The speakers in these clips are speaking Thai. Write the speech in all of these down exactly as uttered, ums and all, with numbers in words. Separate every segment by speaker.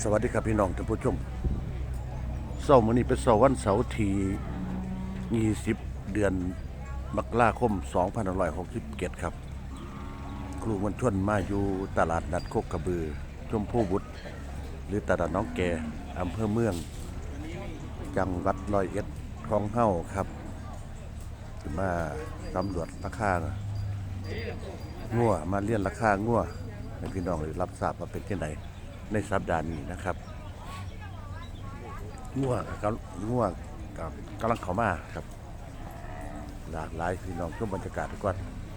Speaker 1: สวัสดีครับพี่น้องท่านผู้ชมเสาร์มื้อนี้เป็นเสาร์วันเสาร์ที่ยี่สิบเดือนมกราคมสองพันห้าร้อยหกสิบเจ็ดครับครูมวลชนมาอยู่ตลาดนัดโคกกระบือชมพู่บุตรหรือตลาดน้องแกอำเภอเมืองจังหวัดร้อยเอ็ดของเฮ้าครับมาตำรวจราคางัวมาเลี่ยนราคางัวให้พี่น้องได้รับทราบว่าเป็นที่ไหนในสัปดาห์นี้นะครับงัวกับงัวกับกำลังเข้ามาครับหลากหลายพี่น้องชมบรรยากาศทุกวัน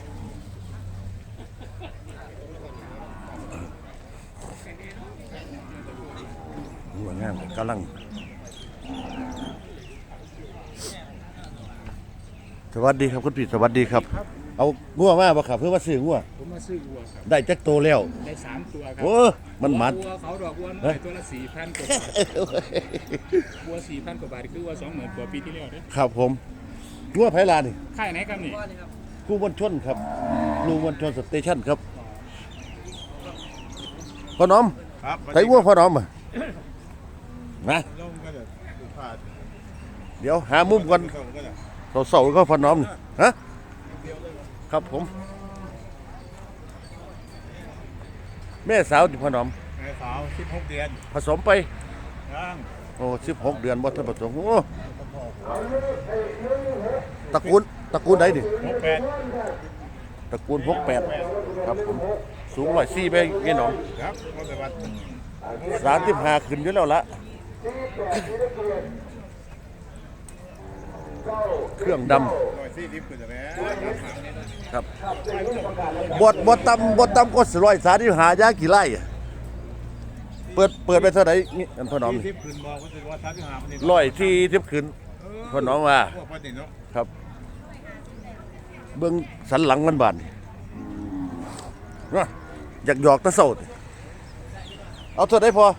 Speaker 1: งัวงามกำลังสวัสดีครับคุณพี่สวัสดีครับเอางัวมาบ่ครับเพื่อว่าซื้องัว
Speaker 2: ผมมาซื้อวัวครับ
Speaker 1: ได้จักโตแล้ว
Speaker 2: ได้สามตัวครับ
Speaker 1: โอ้มันหมัด
Speaker 2: วัวเขาดอกวัวน้อยตัวละสี่พันกว่าบาทวัวสี่พันกว่าบาทคือวัวสองหมื่นกว่าปีที่แล้วเนี่ย
Speaker 1: ครับผมงัวไผ่ลานี่
Speaker 2: ค่ายไหนครับนี่
Speaker 1: ครูมวลชนครับครูมวลชนสเตชันครับพ่อน้อมไถงัวพ่อน้อมอ่ะนะเดี๋ยวหามุมกันเสาๆก็พ่อน้อมฮะครับผมแม่สาวที่พ่อน้อม
Speaker 2: แม่สาวสิบหกเดือน
Speaker 1: ผสมไป
Speaker 2: ยัง
Speaker 1: โอ้สิบหกเดือนบ่ทันผสมโอ้ตระกูลตระกูลใดดิ
Speaker 2: หกแปด
Speaker 1: ตระกูลหกแปดครับผมสูงร้อยสี่ไปแค่น้อง
Speaker 2: ครับก็จะวัด
Speaker 1: สามสิบห้าขึ้นอยู่แล้วละเครื่องดำครับบดบดตำบดตำก็สร้อยสาที่หายากี่ไร่เปิดเปิดไปเท่าไหร่นี่อันพ่อน้องร้อยที่ทิพขึ้นพ่อน้องว่าครับเบื้องสันหลังมันบานอยากหยอกตะโสดเอาเท่าไหร่พอ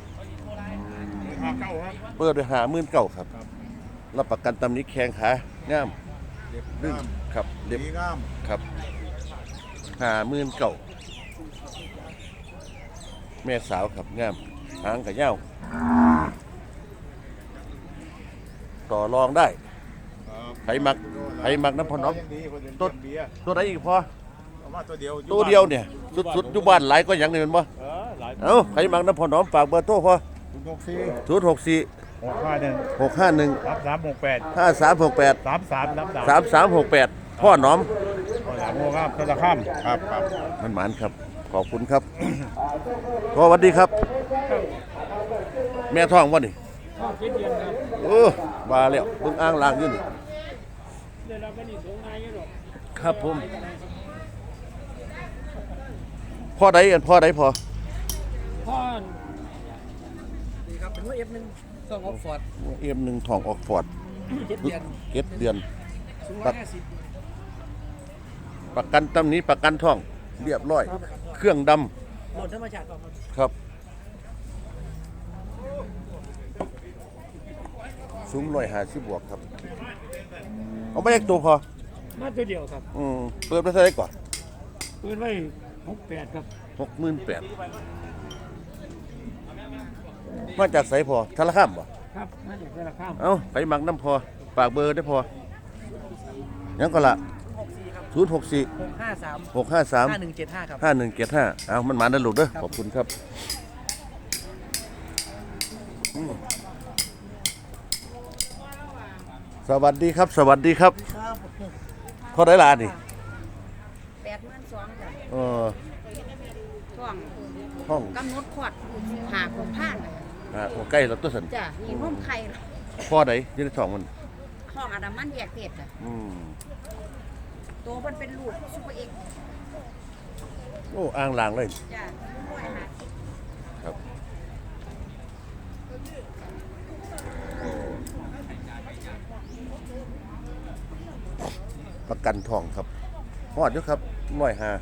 Speaker 1: เปิดไปหาหมื่นเก้าครับรับประกันตำนี้แข้งขางามดึงครับเล็บงามครับหาหมื่นเก่าแม่สาวครับงามหางกับเย้าต่อรองได้ไผ่มักไผ่มักน้ำพอน้องตัวตัวไหนอีกพอตัวเดียวเนี่ยสุดๆอยู่บ้านหลายก็อย่างนี้เป็นบ่เอ้าไผ่มักน้ำพอน้องฝากเบอร์โทรพอศูนย์หกสี่
Speaker 2: หกห้าหนึ่ง
Speaker 1: หกห้าหนึ่ง
Speaker 2: สามสามหกแปด
Speaker 1: ห้าสามหกแปด
Speaker 2: สามสามสาม
Speaker 1: สามสามหกแปดพ่อน้อม
Speaker 2: พ่อหลานโมครับธนาคารครับครับ
Speaker 1: มันหมานครับขอบคุณครับสวัสดีครับแม่ท้องวะนี่
Speaker 2: ท้องเจ็ดเดือนครับ
Speaker 1: โอ้บาแล้วเบิ่งอ่างล่างอยู่นี่
Speaker 2: เดี๋ยวเราไปนี่สูงไงกันหรอก
Speaker 1: ครับผมพ่อใดกันพ่อใดพอ
Speaker 2: พ่อดีครับเป็นว่าเอฟหนึ่งทองออกฟอร์ด
Speaker 1: เอ็มหนึ่งทองออกฟอร์ด
Speaker 2: เจ็ดเดือน
Speaker 1: เจ็ดเดือน
Speaker 2: สูงร้อยห้าสิบ
Speaker 1: ประกันตำนี้ประกันท่องเรียบร้อยเครื่องด
Speaker 2: ำหมดธรรมชาติ
Speaker 1: ครับสูงร้อยห้าสิบบวกครับเอาไม่แยกตัวพอ
Speaker 2: มาตัวเดียวครับ
Speaker 1: อืมเปิดไปเท่าไหร่ก่อน
Speaker 2: เปิดไว้หกแปดครับ
Speaker 1: หกหมื่นแปดมาจากไสพอทะละข้ามบ่
Speaker 2: ครับมาจากทะละข้าม
Speaker 1: เอ้าไปหมักน้ำพอปากเบอร์ได้พอยังก็ละศูนย์หกสี่
Speaker 2: หกห้าสาม
Speaker 1: หกห้าสาม
Speaker 2: ห้าหนึ่งเจ็ดห้าครับ
Speaker 1: ห้าหนึ่งเจ็ดห้าเอามันหมาดันลูกเด้อขอบคุณครับสวัสดีครับสวัสดีครับพอได้ลานี่
Speaker 3: แปดหมื่นสองจ้ะ
Speaker 1: เออ
Speaker 3: ท้อง
Speaker 1: ห้อง
Speaker 3: กำหนดขวดหาของผ่าน
Speaker 1: อ่าใกล้แล้วตัวสัน
Speaker 3: จ้ะมีห้องไข่
Speaker 1: พ่อไหนยืนท้องมัน
Speaker 3: ห้องอนามันแยกเพศจ้ะ
Speaker 1: อืม
Speaker 3: ตัวมันเป็นลูกซุปเปอร์เอ็กซ์
Speaker 1: โอ้อ่างลางเลย
Speaker 3: จ้ะร้อยห้าสิบ
Speaker 1: ครับประกันทองครับหอดอยู่ครับร้อยห้า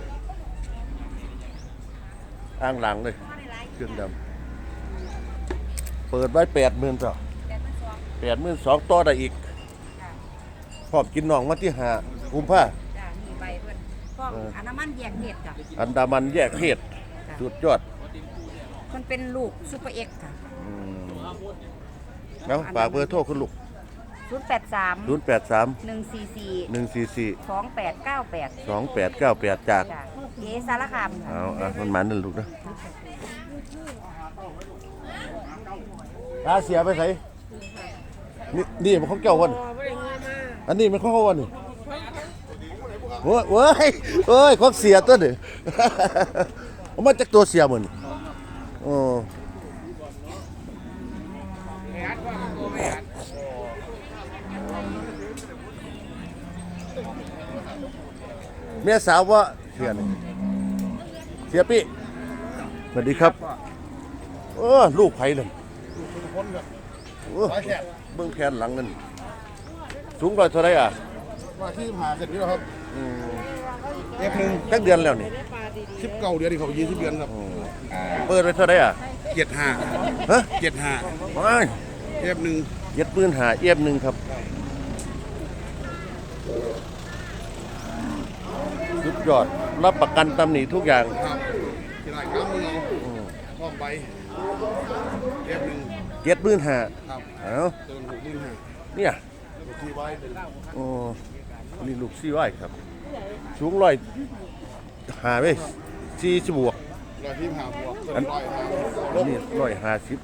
Speaker 1: อ่างหลังเลยเครื่องดำเปิดไว้แปดหมื่นจ้ะแปดหมื่นสองต่อได้อีกพร้อมกินน่องมาที่หากุมภา
Speaker 3: จ้ะมีใบเพื่อนฟองอันดามันแยกเพศจ้ะ
Speaker 1: อันดามันแยกเพศสุดยอด
Speaker 3: มันเป็นลูกซูเปอร์เอ็กซ์ค่ะ
Speaker 1: อืมแล้วฝากเบอร์โทรคุณลูก
Speaker 3: ศูนย์แปดสาม
Speaker 1: ศูนย์แปดสาม
Speaker 3: หนึ่งสี่สี่
Speaker 1: หนึ่งสี่สี่
Speaker 3: สองแปดเก้าแปด
Speaker 1: สองแปดเก้าแปดจาก
Speaker 3: จ้ะเอสารคามค่ะ
Speaker 1: เอาอ่ะมันหมันนั่นลูกนะตาเสียไปใส่นี่นี่มันของเจ้าวันอันนี้มันของเขาวันนี่โอ้ยโอ้ยโอ้ยของเสียตัวนี่ เอามาจากตัวเสียเหมือนโอ้เมียสาวว่าเสียนี่เสียปี้สวัสดีครับเออลูกไผ่เลยเออเบื้องแขนหลังนั่นสูงร้อยเท่าไรอ่ะ
Speaker 4: มาที่หาเสร็จนี้แล้วครับ
Speaker 1: อืม
Speaker 4: เอฟหนึ่ง
Speaker 1: จักเดือนแล้วนี่
Speaker 4: สิบเก้าเดือนที่เขายี่สิบเดือนครับ
Speaker 1: เปิดไปเท่าไรอ่ะ
Speaker 4: เจ็ดห้า
Speaker 1: ฮะ
Speaker 4: เจ็ดห้า
Speaker 1: ว้าย
Speaker 4: เอฟหนึ่ง
Speaker 1: เย็ดปืนหาเอียบหนึ่งครับสุดยอดรับประกันตำหนิทุกอย่าง
Speaker 4: ครับที่ไรครับมึงเอาท่องไปเอฟหนึ่ง
Speaker 1: เย็ดปืนหา
Speaker 4: ครับ
Speaker 1: เอ้า
Speaker 4: เติมหกหมื่นห้า
Speaker 1: เนี่ย
Speaker 4: ที่ไว้เป็น
Speaker 1: โอ้นี่ลูกซี่ไว้ครับ สูงร้อยหาไปสี่สิบบวก
Speaker 4: ร้อยที่หาบวกเติมร้อยห้า
Speaker 1: อันนี้ร้อยห้าสิบ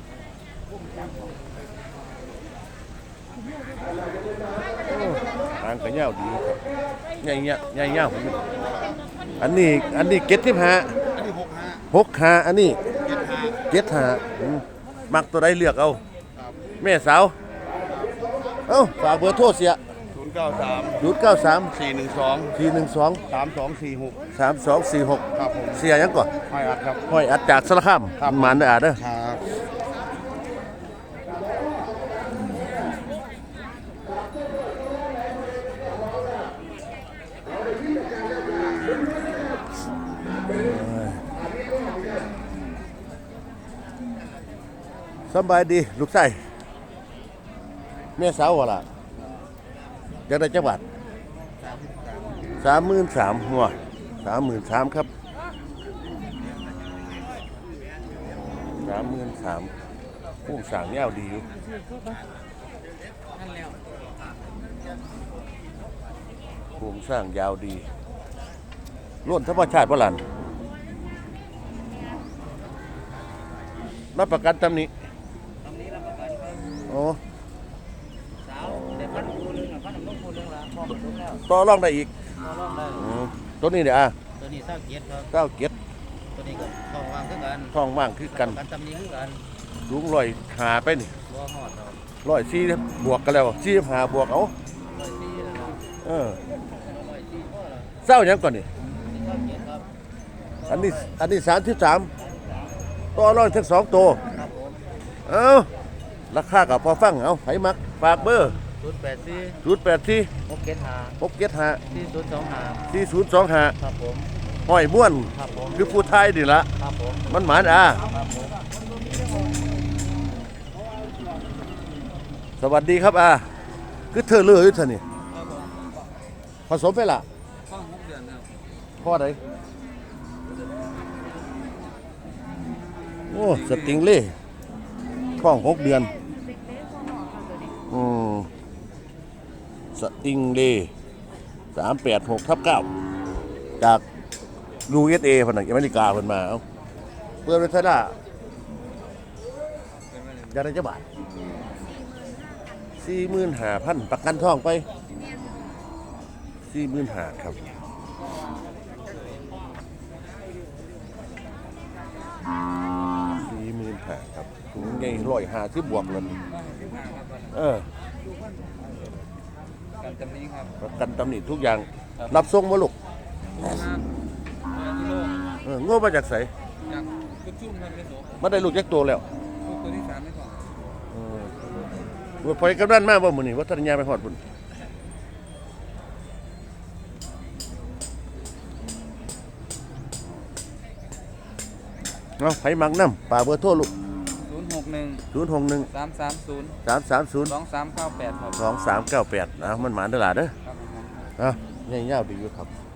Speaker 1: ทางกระเงาดีครับใหญ่เงี้ยใหญ่เงี้ยผมอันนี้อันนี้เก็ดที่หา
Speaker 4: อันนี้หกห้า
Speaker 1: หกหาอันนี้
Speaker 4: เจ็ดห้า
Speaker 1: เก็ดหาอืมมักตัวใดเลือกเอา
Speaker 4: ครับ
Speaker 1: แม่สาว เอ้าฝากเบอร์โทรเสีย
Speaker 4: ศูนย์เก้าสาม
Speaker 1: ศูนย์เก้าสาม
Speaker 4: สี่หนึ่งสอง
Speaker 1: สี่หนึ่งสอง
Speaker 4: สามสองสี่หก
Speaker 1: สามสองสี่หก
Speaker 4: ครับผม
Speaker 1: เสียยังก่อน
Speaker 4: ไม่อัดครับ
Speaker 1: ห้อยอัดจากสารคาม
Speaker 4: ครับ
Speaker 1: หมันได้อาเด้อ
Speaker 4: ครับ
Speaker 1: สำบายดีลูกไส้แม่สาววะล่ะจะได้จังหวัดสามหมื่นสามหัวสามหมื่นสามครับสามหมื่นสามผู้สั่งเงาดีอยู่ผู้สร้างยาวดีล้วนธรรมชาติบ่หลันรับประกันตำหนี้โอ้
Speaker 5: สาวแต่พันคูนึงอ่ะพันน้ำนมคูนึงละพอมันลุกแล้ว
Speaker 1: ต่อรองได้อีก
Speaker 5: พอรอบได้
Speaker 1: อืมตัวนี้เนี่ยอ่ะ
Speaker 5: ตัวนี้เศร้าเกียรติครับ
Speaker 1: เก้าเก็ด
Speaker 5: ตัวนี้ก็ทองวางคือกัน
Speaker 1: ท้องว่างคือกัน
Speaker 5: กันตำนี้คือกัน
Speaker 1: ลุงลอยหาไปนี่
Speaker 5: บ่หอดเรา
Speaker 1: ร้อยสี่บวกกันแล้วสี่หาบวกเอา
Speaker 5: ร้อยสี่แล้วนะ
Speaker 1: เออ
Speaker 5: ร้อยสี่พ่อละ
Speaker 1: เศร้าหยังก่อนนี่
Speaker 5: นี่เศร้าเกียรติครับ
Speaker 1: อันนี้อันนี้สามสิบสามต่อรองทั้งสองตัว
Speaker 5: ครับผม
Speaker 1: เอาราคากับพอฟังเอาไผมักฝากเบอร์
Speaker 5: ศูนย์แปดสี่
Speaker 1: ศูนย์แปดสี่
Speaker 5: หกเจ็ดห้า
Speaker 1: หกเจ็ดห้า
Speaker 5: สี่ศูนย์สองห้า
Speaker 1: สี่ศูนย์สองห้า
Speaker 5: ครับผม
Speaker 1: ห้อยม้วน
Speaker 5: ครับผม
Speaker 1: คือผู้ไทยนี่ละ
Speaker 5: ครับผม
Speaker 1: มันหมานอ่ะ
Speaker 5: ครับผม
Speaker 1: สวัสดีครับอ่ะคือเธอเลือกอยู่เท่านี่
Speaker 5: ครับผม
Speaker 1: ผสมไปละ
Speaker 5: ข้องหกเดือนครับ
Speaker 1: พ่อใดโอ้สติงเล่ท้องหกเดือนอืมสติงเล่สามแปดหกทับเก้าจากยูเอสเอพนักอเมริกาเพิ่นมาเอาเปิดไว้เท่าไหร่อยากได้จะบาทสี่หมื่นห้าพันประกันท้องไปสี่หมื่นห้าครับสี่หมื่นห้าครับถุงใหญ่ร้อยห้าที่บวกเลยเออ
Speaker 5: กันตำนี้ครับ
Speaker 1: ประกันตำหนิทุกอย่าง รับส่งมาลูก
Speaker 5: กิโล
Speaker 1: เออโง่มาจากไส
Speaker 5: จากกุชุ่มครับเป็นโส
Speaker 1: มาได้ลูกแจ็คตัวแล้ว
Speaker 5: ตัวที่สามไม่พอ
Speaker 1: เออว่าพอยกำนันมาบ่มื้อนี้ว่าทันยาไปฮอดพุ่นเอาไผมักน้ำป่าเบอร์โทรลูก
Speaker 5: ศูนย์หกหนึ่ง
Speaker 1: ศูนย์หกหนึ่ง
Speaker 5: สามสามศูนย์
Speaker 1: สามสามศูนย์
Speaker 5: สองสามเก้าแปดครับ
Speaker 1: สองสามเก้าแปดนะมันหมานตลาดเด้อ
Speaker 5: ครับผม
Speaker 1: อ่ะเงี้ยาวๆดีอยู่ครับ